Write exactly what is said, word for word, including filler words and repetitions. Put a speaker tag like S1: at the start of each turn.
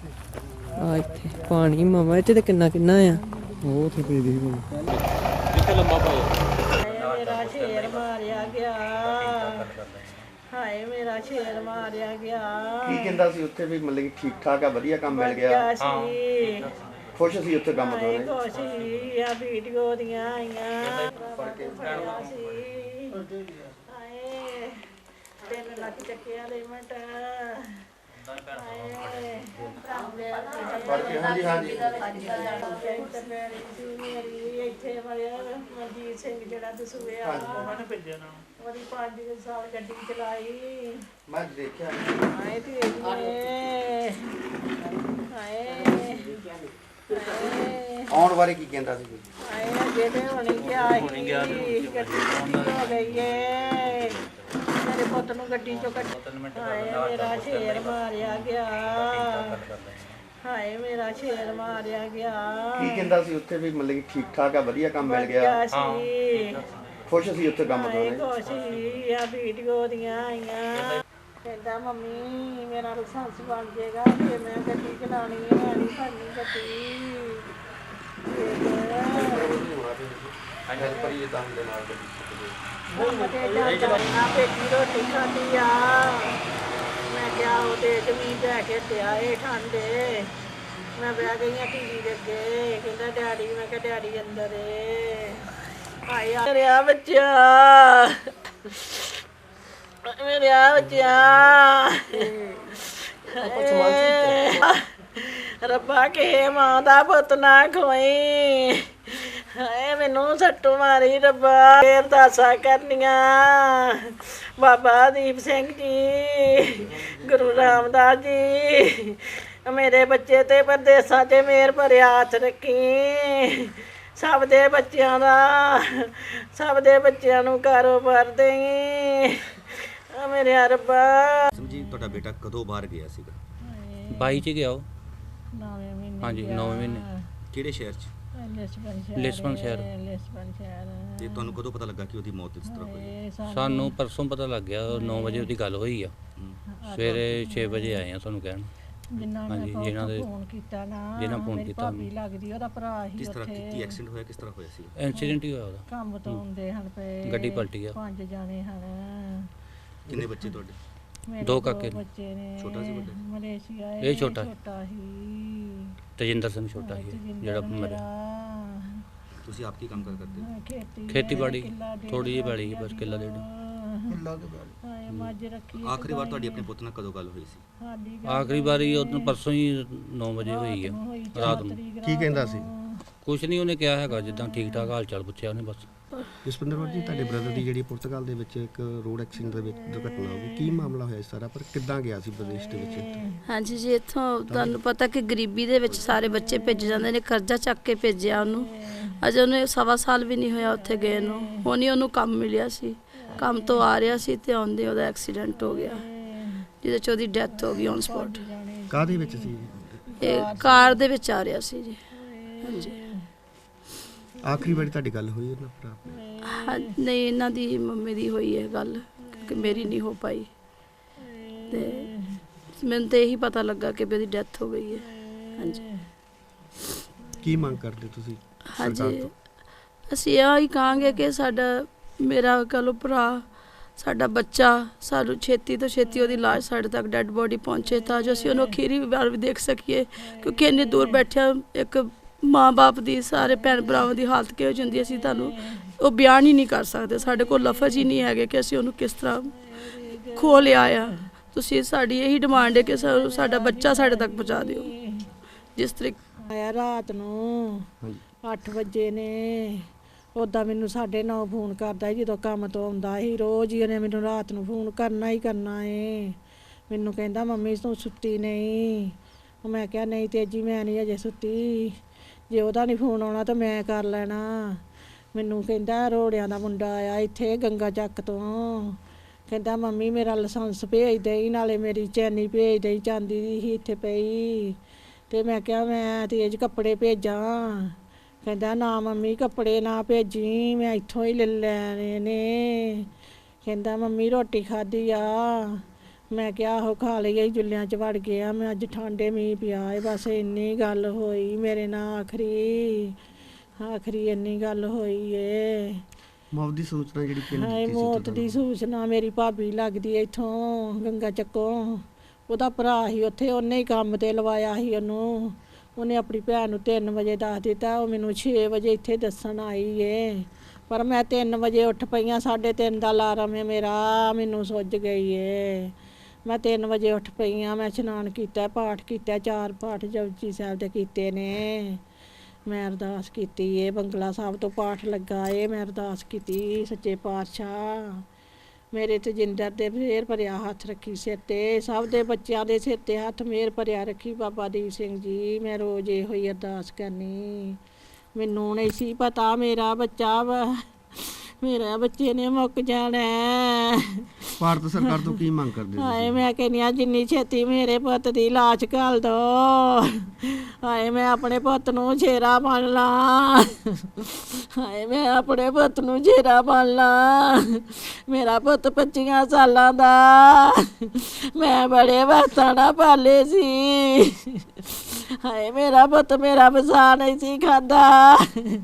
S1: ਆ ਇੱਥੇ ਪਾਣੀ ਮਾਮਾ ਇੱਥੇ ਤੇ ਕਿੰਨਾ ਕਿੰਨਾ ਆ
S2: ਉਹ ਉੱਥੇ ਪਈ ਦੀ
S3: ਜਿੱਥੇ ਲੰਮਾ ਪਾਇਆ
S4: ਮੇਰਾ ਸ਼ੇਰ ਮਾਰਿਆ ਗਿਆ ਹਾਏ ਮੇਰਾ ਸ਼ੇਰ ਮਾਰਿਆ ਗਿਆ
S5: ਕੀ ਕਹਿੰਦਾ ਸੀ ਉੱਥੇ ਵੀ ਮਤਲਬ ਕਿ ਠੀਕ ਠਾਕ ਆ ਵਧੀਆ ਕੰਮ ਮਿਲ ਗਿਆ
S4: ਗਿਆ ਸੀ
S5: ਖੁਸ਼ ਸੀ ਉੱਥੇ ਕੰਮ ਤੋਂ
S4: ਹਾਏ ਖੁਸ਼ ਸੀ ਆ ਵੀਡੀਓ ਦੀਆਂ ਆਈਆਂ ਫੜਿਆ ਸੀ ਹਾਏ ਤਿੰਨ ਲੱਖ ਚੱਕਿਆ ਦੇ ਮਿੰਟ ਹਾਏ
S5: ਪੜ ਕੇ ਹਾਂਜੀ ਹਾਂਜੀ
S4: ਮੇਰੀ ਇੱਥੇ ਮਰਿਆ ਮਨਜੀਤ ਸਿੰਘ ਜਿਹੜਾ ਦਸੂਏ ਆ ਉਹਨੇ ਭੇਜਿਆ ਨਾ ਉਹਦੀ ਪੰਜ ਸਾਲ ਗੱਡੀ ਚਲਾਈ
S5: ਮੈਂ ਦੇਖਿਆ
S4: ਹਾਏ ਤੇ ਹਾਏ ਹਾਏ
S5: ਆਉਣ ਬਾਰੇ ਕੀ ਕਹਿੰਦਾ ਸੀ ਕੋਈ?
S4: ਹਾਏ ਜਿਹਦੇ ਹੋਣੀ ਗਿਆ ਹੋਣੀ ਗਿਆ ਗੱਡੀ ਹੋ ਗਈ ਏ ਮੇਰੇ ਪੁੱਤ ਨੂੰ ਗੱਡੀ ਚੋਂ ਕੱਢ ਹਾਏ ਮੇਰਾ ਸ਼ੇਰ ਮਾਰਿਆ ਗਿਆ ਹਾਏ ਮੇਰਾ ਸ਼ੇਰ ਮਾਰਿਆ ਗਿਆ
S5: ਕੀ ਕਹਿੰਦਾ ਸੀ ਉੱਥੇ ਵੀ ਮਤਲਬ ਕਿ ਠੀਕ ਠਾਕ ਆ ਵਧੀਆ ਕੰਮ ਮਿਲ ਗਿਆ
S4: ਗਿਆ ਸੀ
S5: ਖੁਸ਼ ਸੀ ਉੱਥੇ ਕੰਮ ਤੋਂ
S4: ਹਾਏ ਖੁਸ਼ ਸੀ ਆ ਵੀਡੀਓ ਦੀਆਂ ਆਈਆਂ ਕਹਿੰਦਾ ਮੰਮੀ ਮੇਰਾ ਲਾਇਸੈਂਸ ਬਣ ਜਾਏਗਾ ਤੇ ਮੈਂ ਗੱਡੀ ਚਲਾਉਣੀ ਹੈ ਮੈਂ ਨਹੀਂ ਫੜਨੀ ਗੱਡੀ
S5: ਹੈਲਪਰ ਇਹ ਤਾਂ ਦੇ ਨਾਲ
S4: ਗੱਡੀ ਚਲਾਉਣਾ ਬੇਟੀ ਰੋਟੀ ਖਾਂਦੀ ਆ ਮੈਂ ਕਿਹਾ ਉਹ ਤੇ ਜ਼ਮੀਨ ਲੈ ਕੇ ਤੇ ਆਏ ਠੰਡੇ ਮੈਂ ਬਹਿ ਗਈ ਆ ਟੀਵੀ ਦੇ ਅੱਗੇ ਕਹਿੰਦਾ ਡੈਡੀ ਮੈਂ ਕਿਹਾ ਡੈਡੀ ਅੰਦਰ ਏ ਆਏ ਆ ਰਿਹਾ ਬੱਚਾ ਮੇਰੇ ਆ ਬੱਚਾ ਰੱਬਾ ਕੇ ਮਾਂ ਦਾ ਪੁੱਤ ਨਾ ਖੋਈ ਹਾਏ ਮੈਨੂੰ ਸੱਟੂ ਮਾਰੀ ਰੱਬਾ ਅਰਦਾਸਾਂ ਕਰਨੀਆਂ ਬਾਬਾ ਦੀਪ ਸਿੰਘ ਜੀ ਗੁਰੂ ਰਾਮਦਾਸ ਜੀ ਮੇਰੇ ਬੱਚੇ ਤੇ ਪਰਦੇਸਾਂ 'ਚ ਮੇਰ ਭਰਿਆ ਹੱਥ ਰੱਖੀ ਸਭ ਦੇ ਬੱਚਿਆਂ ਦਾ ਸਭ ਦੇ ਬੱਚਿਆਂ ਨੂੰ ਕਾਰੋਬਾਰ ਦੇਈ ਮੇਰੇ ਰੱਬਾ
S5: ਸਮਝੀ ਤੁਹਾਡਾ ਬੇਟਾ ਕਦੋਂ ਬਾਹਰ ਗਿਆ ਸੀਗਾ
S3: ਬਾਈ ਚ ਗਿਆ ਉਹ
S4: ਨੌਵੇਂ ਮਹੀਨੇ
S3: ਹਾਂਜੀ ਨੌਵੇਂ ਮਹੀਨੇ
S5: ਕਿਹੜੇ ਸ਼ਹਿਰ 'ਚ
S4: ਲਿਸਬਨ ਸ਼ਹਿਰ
S3: ਲਿਸਬਨ ਸ਼ਹਿਰ।
S4: ਲਿਸਬਨ ਸ਼ਹਿਰ
S5: ਤੇ ਤੁਹਾਨੂੰ ਕਦੋਂ ਪਤਾ ਲੱਗਾ ਕਿ ਉਹਦੀ ਮੌਤ ਇਸ ਤਰ੍ਹਾਂ ਹੋਈ
S4: ਇਹ ਸਾਨੂੰ
S3: ਸਾਨੂੰ ਪਰਸੋਂ ਪਤਾ ਲੱਗ ਗਿਆ ਨੌ ਵਜੇ ਉਹਦੀ ਗੱਲ ਹੋਈ ਆ ਸਵੇਰੇ ਛੇ ਵਜੇ ਆਏ ਆ ਤੁਹਾਨੂੰ ਕਹਿਣ
S4: ਜਿਨ੍ਹਾਂ
S3: ਹਾਂਜੀ,
S4: ਨੇ
S3: ਜਿਨ੍ਹਾਂ ਦੇ-
S4: ਫੋਨ ਕੀਤਾ ਨਾ
S3: ਜਿਨ੍ਹਾਂ phone
S4: ਮੇਰੀ
S3: ਕੀਤਾ
S4: ਭਾਬੀ ਲੱਗਦੀ ਉਹਦਾ ਭਰਾ ਹੀ
S5: ਕਿਸ ਤਰ੍ਹਾਂ ਕੀ
S4: ਉੱਥੇ
S5: ਐਕਸੀਡੈਂਟ ਹੋਇਆ ਕਿਸ ਤਰ੍ਹਾਂ ਹੋਇਆ ਸੀ
S3: ਇਨਸੀਡੈਂਟ ਹੀ ਹੋਇਆ ਉਹਦਾ
S4: ਕੰਮ ਤੋਂ ਆਉਂਦੇ ਹਨ ਪਏ
S3: ਗੱਡੀ ਪਲਟੀ ਆ।
S4: ਪੰਜ ਜਾਣੇ ਹਨ
S5: ਕਿੰਨੇ ਬੱਚੇ ਤੁਹਾਡੇ
S4: ਮੇਰੇ
S3: ਦੋ ਕਾਕੇ ਨੇ।
S4: ਬੱਚੇ ਨੇ
S5: ਛੋਟਾ ਸੀ ਵੱਡਾ?
S4: ਮਲੇਸ਼ੀਆ
S3: ਇਹ ਛੋਟਾ ਸੀ।
S4: ਛੋਟਾ ਹੀ
S3: ਤਜਿੰਦਰ ਸਿੰਘ ਛੋਟਾ ਸੀ
S4: ਤਜਿੰਦਰ
S3: ਜਿਹੜਾ
S4: ਮੇਰਾ,
S3: ਮਰਿਆ
S5: ਤੁਸੀਂ ਆਪ ਕੀ ਕੰਮ ਕਰ ਕਰਦੇ ਹੋ
S4: ਖੇਤੀ
S3: ਖੇਤੀਬਾੜੀ
S4: ਕਿੱਲਾ ਡੇਢ
S3: ਥੋੜੀ ਜਿਹੀ ਪੈਲੀ ਸੀ, ਬਸ ਕਿੱਲਾ ਡੇਢ
S4: ਹਾਏ ਮੱਝ ਰੱਖੀ
S5: ਆਖਰੀ ਵਾਰ ਤੁਹਾਡੀ ਆਪਣੇ ਪੁੱਤ ਨਾਲ ਕਦੋਂ ਗੱਲ ਹੋਈ ਸੀ
S4: ਸਾਡੀ ਗੱਲ
S3: ਆਖਰੀ ਵਾਰੀ ਉਹਨੂੰ ਪਰਸੋਂ ਹੀ ਨੌ ਵਜੇ ਹੋਈ ਆ
S4: ਹੋਈ
S3: ਰਾਤ ਨੂੰ
S2: ਕੀ ਕਹਿੰਦਾ ਸੀ
S3: ਕੁਛ ਨਹੀਂ ਉਹਨੇ ਕਿਹਾ ਹੈਗਾ ਜਿੱਦਾਂ ਠੀਕ ਠਾਕ ਹਾਲ ਚਾਲ ਪੁੱਛਿਆ ਉਹਨੇ ਬਸ
S2: ਜਸਪਿੰਦਰ ਕੌਰ ਜੀ ਤੁਹਾਡੇ ਬ੍ਰਦਰ ਦੀ ਜਿਹੜੀ ਪੁਰਤਗਾਲ ਦੇ ਵਿੱਚ ਇੱਕ ਰੋਡ ਐਕਸੀਡੈਂਟ ਦੇ ਵਿੱਚ ਦੁਰਘਟਨਾ ਹੋ ਗਈ ਕੀ ਮਾਮਲਾ ਹੋਇਆ ਇਸ ਸਾਰਾ ਪਰ ਕਿੱਦਾਂ ਗਿਆ ਸੀ ਵਿਦੇਸ਼ ਦੇ ਵਿੱਚ
S6: ਹਾਂਜੀ ਜੀ ਇੱਥੋਂ ਤੁਹਾਨੂੰ ਪਤਾ ਕਿ ਗਰੀਬੀ ਦੇ ਵਿੱਚ ਸਾਰੇ ਬੱਚੇ ਭੇਜ ਜਾਂਦੇ ਨੇ ਕਰਜ਼ਾ ਚੱਕ ਕੇ ਭੇਜਿਆ ਉਹਨੂੰ ਅਜੇ ਉਹਨੇ ਸਵਾ ਸਾਲ ਵੀ ਨਹੀਂ ਹੋਇਆ ਉੱਥੇ ਗਏ ਨੂੰ ਹੁਣ ਹੀ ਉਹਨੂੰ ਕੰਮ ਮਿਲਿਆ ਸੀ ਕੰਮ ਤੋਂ ਆ ਰਿਹਾ ਸੀ ਤੇ ਆਉਂਦੇ ਉਹਦਾ ਐਕਸੀਡੈਂਟ ਹੋ ਗਿਆ ਜਿਹਦੇ 'ਚ ਉਹਦੀ ਡੈਥ ਹੋ ਗਈ ਔਨ ਸਪੌਟ
S2: ਕਾਹਦੇ ਵਿੱਚ ਸੀ
S6: ਇਹ ਕਾਰ ਦੇ ਵਿੱਚ ਆ ਰਿਹਾ ਸੀ ਜੀ ਹਾਂਜੀ
S2: ਆਖਰੀ ਵਾਰੀ ਤੁਹਾਡੀ ਗੱਲ ਹੋਈ ਉਹਨਾਂ ਭਰਾ ਨਾਲ?
S6: ਹਾਂ ਨਹੀਂ ਇਹਨਾਂ ਦੀ ਮੰਮੀ ਦੀ ਹੋਈ ਹੈ ਗੱਲ ਕਿ ਮੇਰੀ ਨਹੀਂ ਹੋ ਪਾਈ ਤੇ ਮੈਨੂੰ ਤੇ ਇਹੀ ਪਤਾ ਲੱਗਾ ਕਿ ਵੀ ਉਹਦੀ ਡੈਥ ਹੋ ਗਈ ਹੈ ਹਾਂਜੀ
S2: ਕੀ ਮੰਗ ਕਰਦੇ ਤੁਸੀਂ ਸਰਕਾਰ
S6: ਹਾਂਜੀ
S2: ਤੋਂ
S6: ਅਸੀਂ ਇਹ ਹੀ ਕਹਾਂਗੇ ਕਿ ਸਾਡਾ ਮੇਰਾ ਕਹਿ ਲਓ ਭਰਾ ਸਾਡਾ ਬੱਚਾ ਸਾਨੂੰ ਛੇਤੀ ਤੋਂ ਛੇਤੀ ਉਹਦੀ ਲਾਸ਼ ਸਾਡੇ ਤੱਕ ਡੈੱਡ ਬੋਡੀ ਪਹੁੰਚੇ ਤਾਂ ਜੋ ਅਸੀਂ ਉਹਨੂੰ ਅਖੀਰੀ ਵਾਰ ਵੀ ਦੇਖ ਸਕੀਏ ਕਿਉਂਕਿ ਇੰਨੀ ਦੂਰ ਬੈਠਿਆ ਇੱਕ ਮਾਂ ਬਾਪ ਦੀ ਸਾਰੇ ਭੈਣ ਭਰਾਵਾਂ ਦੀ ਹਾਲਤ ਕਿਹੋ ਜਿਹੀ ਹੁੰਦੀ ਅਸੀਂ ਤੁਹਾਨੂੰ ਉਹ ਬਿਆਨ ਹੀ ਨਹੀਂ ਕਰ ਸਕਦੇ ਸਾਡੇ ਕੋਲ ਲਫ਼ਜ਼ ਹੀ ਨਹੀਂ ਹੈਗੇ ਕਿ ਅਸੀਂ ਉਹਨੂੰ ਕਿਸ ਤਰ੍ਹਾਂ ਖੋ ਲਿਆ ਆ ਤੁਸੀਂ ਸਾਡੀ ਇਹੀ ਡਿਮਾਂਡ ਹੈ ਕਿ ਸਾ- ਸਾਡਾ ਬੱਚਾ ਸਾਡੇ ਤੱਕ ਪਹੁੰਚਾ ਦਿਓ ਜਿਸ ਤਰੀਕੇ
S4: ਆਇਆ ਰਾਤ ਨੂੰ ਅੱਠ ਵਜੇ ਨੇ ਉੱਦਾਂ ਮੈਨੂੰ ਸਾਢੇ ਨੌ ਫੋਨ ਕਰਦਾ ਸੀ ਜਦੋਂ ਕੰਮ ਤੋਂ ਆਉਂਦਾ ਸੀ ਰੋਜ਼ ਹੀ ਉਹਨੇ ਮੈਨੂੰ ਰਾਤ ਨੂੰ ਫੋਨ ਕਰਨਾ ਹੀ ਕਰਨਾ ਏ ਮੈਨੂੰ ਕਹਿੰਦਾ ਮੰਮੀ ਤੂੰ ਸੁੱਤੀ ਨਹੀਂ ਉਹ ਮੈਂ ਕਿਹਾ ਨਹੀਂ ਤੇਜੀ ਮੈਂ ਨਹੀਂ ਅਜੇ ਸੁੱਤੀ ਜੇ ਉਹਦਾ ਨਹੀਂ ਫੋਨ ਆਉਣਾ ਤਾਂ ਮੈਂ ਕਰ ਲੈਣਾ ਮੈਨੂੰ ਕਹਿੰਦਾ ਰੋੜਿਆਂ ਦਾ ਮੁੰਡਾ ਆਇਆ ਇੱਥੇ ਗੰਗਾ ਚੱਕ ਤੋਂ ਕਹਿੰਦਾ ਮੰਮੀ ਮੇਰਾ ਲਾਇਸੈਂਸ ਭੇਜ ਦੇਈ ਨਾਲੇ ਮੇਰੀ ਚੈਨੀ ਭੇਜ ਦੇਈ ਚਾਂਦੀ ਦੀ ਸੀ ਇੱਥੇ ਪਈ ਤੇ ਮੈਂ ਕਿਹਾ ਮੈਂ ਤੇਜ ਕੱਪੜੇ ਭੇਜਾਂ ਕਹਿੰਦਾ ਨਾ ਮੰਮੀ ਕੱਪੜੇ ਨਾ ਭੇਜੀ ਮੈਂ ਇੱਥੋਂ ਹੀ ਲੈ ਲੈਣੇ ਨੇ ਕਹਿੰਦਾ ਮੰਮੀ ਰੋਟੀ ਖਾਧੀ ਆ ਮੈਂ ਕਿਹਾ ਉਹ ਖਾ ਲਈਏ ਜੁੱਲਿਆਂ 'ਚ ਵੜ ਗਿਆ। ਮੈਂ ਅੱਜ ਠਾਂਡੇ ਮੀਂਹ ਪਿਆ ਏ, ਬਸ ਇੰਨੀ ਗੱਲ ਹੋਈ ਮੇਰੇ ਨਾਲ ਆਖਰੀ ਆਖਰੀ ਇੰਨੀ ਗੱਲ ਹੋਈ ਏ।
S2: ਮੌਤ ਦੀ ਸੂਚਨਾ ਜਿਹੜੀ ਕਿਹਨੇ
S4: ਹਾਏ
S2: ਦਿੱਤੀ ਸੀ
S4: ਮੌਤ
S2: ਤੁਹਾਨੂੰ?
S4: ਦੀ ਸੂਚਨਾ ਮੇਰੀ ਭਾਬੀ ਲੱਗਦੀ ਐ ਇੱਥੋਂ ਗੰਗਾ ਚੱਕੋਂ, ਉਹਦਾ ਭਰਾ ਸੀ ਉੱਥੇ, ਉਹਨੇ ਹੀ ਕੰਮ ਤੇ ਲਵਾਇਆ ਸੀ ਉਹਨੂੰ। ਉਹਨੇ ਆਪਣੀ ਭੈਣ ਨੂੰ ਤਿੰਨ ਵਜੇ ਦੱਸ ਦਿੱਤਾ, ਉਹ ਮੈਨੂੰ ਛੇ ਵਜੇ ਇੱਥੇ ਦੱਸਣ ਆਈ ਏ। ਪਰ ਮੈਂ ਤਿੰਨ ਵਜੇ ਉੱਠ ਪਈਆਂ, ਸਾਢੇ ਤਿੰਨ ਦਾ ਅਲਾਰਮ ਹੈ ਮੇਰਾ, ਮੈਨੂੰ ਸੁੱਜ ਗਈ ਏ। ਮੈਂ ਤਿੰਨ ਵਜੇ ਉੱਠ ਪਈਆਂ, ਮੈਂ ਇਸ਼ਨਾਨ ਕੀਤਾ, ਪਾਠ ਕੀਤਾ, ਚਾਰ ਪਾਠ ਜਪਜੀ ਸਾਹਿਬ ਦੇ ਕੀਤੇ ਨੇ। ਮੈਂ ਅਰਦਾਸ ਕੀਤੀ ਏ, ਬੰਗਲਾ ਸਾਹਿਬ ਤੋਂ ਪਾਠ ਲੱਗਾ ਏ, ਮੈਂ ਅਰਦਾਸ ਕੀਤੀ ਸੱਚੇ ਪਾਤਸ਼ਾਹ ਮੇਰੇ ਤੇ ਜਿੰਦਰ ਦੇ ਫੇਰ ਭਰਿਆ ਹੱਥ ਰੱਖੀ ਸਿਰ ਤੇ, ਸਭ ਦੇ ਬੱਚਿਆਂ ਦੇ ਸਿਰ ਤੇ ਹੱਥ ਮੇਰ ਭਰਿਆ ਰੱਖੀ ਬਾਬਾ ਦੀਪ ਸਿੰਘ ਜੀ। ਮੈਂ ਰੋਜ਼ ਇਹੋ ਹੀ ਅਰਦਾਸ ਕਰਨੀ। ਮੈਨੂੰ ਨਹੀਂ ਸੀ ਪਤਾ ਮੇਰਾ ਬੱਚਾ ਵਾ, ਮੇਰਾ ਬੱਚੇ ਨੇ ਮੁੱਕ ਜਾਣਾ।
S2: ਭਾਰਤ ਸਰਕਾਰ ਤੋਂ ਕੀ ਮੰਗ ਕਰਦੇ
S4: ਹਾਏ
S2: ਤੁਸੀਂ?
S4: ਮੈਂ ਕਹਿੰਦੀ ਹਾਂ ਜਿੰਨੀ ਛੇਤੀ ਮੇਰੇ ਪੁੱਤ ਦੀ ਲਾਸ਼ ਘੱਲ ਦੋ। ਹਾਏ ਮੈਂ ਆਪਣੇ ਪੁੱਤ ਨੂੰ ਛੇਰਾ ਬਣ ਲਾਂ। ਹਾਏ ਮੈਂ ਆਪਣੇ ਪੁੱਤ ਨੂੰ ਛੇਰਾ ਬਣ ਲਾਂ। ਮੇਰਾ ਪੁੱਤ ਪੱਚੀਆਂ ਸਾਲਾਂ ਦਾ, ਮੈਂ ਬੜੇ ਵਕਤਾਂ ਨਾਲ ਪਾਲੇ ਸੀ। ਹਾਏ ਮੇਰਾ ਪੁੱਤ ਮੇਰਾ ਵਸਾ ਨਹੀਂ ਸੀ ਖਾਂਦਾ।